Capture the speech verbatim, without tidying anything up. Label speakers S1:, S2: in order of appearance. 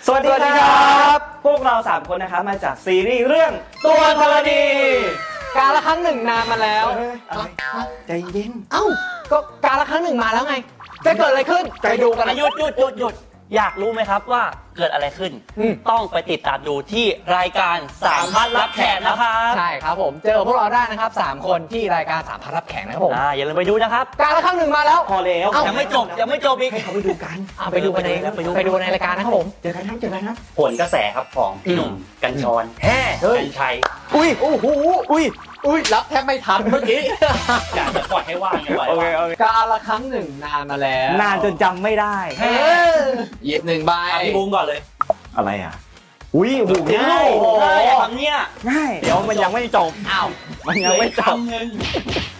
S1: สวัสดีครับพวกเราสามคนนะครับมาจากซีรีส์เรื่องตัวธรณี
S2: กาลครั้งหนึ่งนานมาแล้ว
S1: ใจเย็น
S2: เอ้าก็กาลครั้งหนึ่งมาแล้วไงจะเกิดอะไรขึ้นไปดูกัน
S3: หยุดหยุดหยุดหยุดอยากรู้ไหมครับว่าเกิดอะไรขึ้นต้องไปติดตามดูที่รายการสามพันรับแขกนะครับ
S2: ใช่ครับผมเจอพวกเราได้นะครับสามคนที่รายการสามพันรับแขกนะครับผม
S3: อ่าอย่าลืมไปดูนะครับ
S2: กาลครั้งหนึ่งมาแล้ว
S1: พอแล้ว
S3: ยังไม่จบยังไม่จบอีก
S1: ให้เขาไปดูกัน
S2: เอาไปดูกันในไปดูในรายการนะครับผม
S1: เจอกันครับเจอกันครับ
S3: ผลกระแสครับของพี่หนุ่มกัญชรแฮ่กัญชัย
S2: อุ้ยโอ้โหอุ้ยอุ้ยรับแทบไม่ทันเมื่อกี้
S3: อยากจะปล่อยให้ว่างไงไว้
S1: โอเคโอเค
S2: กาลครั้งหนึ่งนานมาแล้ว
S1: นานจนจำไม่ได้
S2: หยิบหนึ่งใบ
S3: พี่บูมก่อนเลย
S1: อะไรอ่ะอุ้ยโอ้โห
S3: ง่ายง่ายทำเนี้ย
S1: ง่ายเดี๋ยวมันยังไม่จบ
S2: อ้าว
S1: มันยังไม่จบ
S3: หนึ่ง